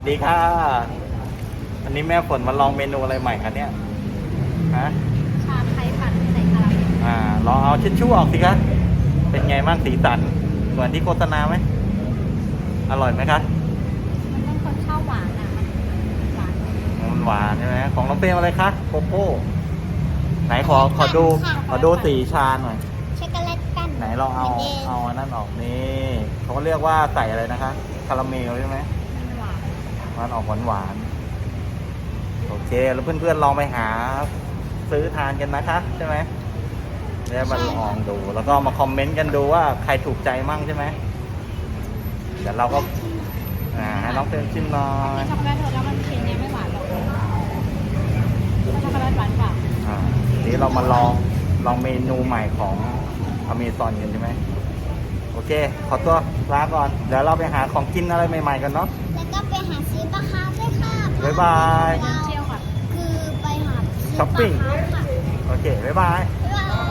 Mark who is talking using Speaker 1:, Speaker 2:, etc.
Speaker 1: ดีค่ะวันนี้แม่ฝนมาลองเมนูอะไรใหม่คะเนี่ยฮะ
Speaker 2: ชาไทยปั่นใส่คาราเมล
Speaker 1: ลองเอาเช็ดชู่ออกสิคะเป็นไงบ้างสีสันเหมือนที่โฆษณาไหมอร่อยไหมคะ
Speaker 2: มันต้องคนชอบหวานอ่ะหวาน
Speaker 1: มันหวานใช่ไหมของน้องเป้มอะไรคะโกโก้ไหนขอดูสีชาหน่อย
Speaker 2: ช็อกโกแลตกัน
Speaker 1: ไหนลองเอาอันนั้นออกนี่เขาเรียกว่าใส่อะไรนะคะคาราเมลใช่ไหม
Speaker 2: หวาน
Speaker 1: มันออกหวานโอเคแล้วเพื่อนๆลองไปหาซื้อทานกันนะคะใช่ไหมแล้วมาลองดูแล้วก็มาคอมเมนต์กันดูว่าใครถูกใจมั่งใช่ไหมเดี๋ยวเราก็ให้น้องเต้นชิมหน่อย
Speaker 2: ช็อกโกแลตเธอแล้วมันเค็มเนี่ยไม่หวานหรอกช็อกโกแลตหวานกว่า
Speaker 1: นี้เรามาลองเมนูใหม่ของอเมซอนกันใช่ไหมโอเคขอตัวลาก่อนเดี๋ยวเราไปหาของกินอะไรใหม่ๆกันเนาะ
Speaker 2: แล้วก็ไปหาซื้อปลาคาร์ฟด้วยค่ะ
Speaker 1: บ๊ายบาย
Speaker 2: เที่ยวค่ะคือไปหา
Speaker 1: ช้อปปิ้ง
Speaker 2: ค่ะ
Speaker 1: โอเคบ๊ายบาย
Speaker 2: บ๊ายบาย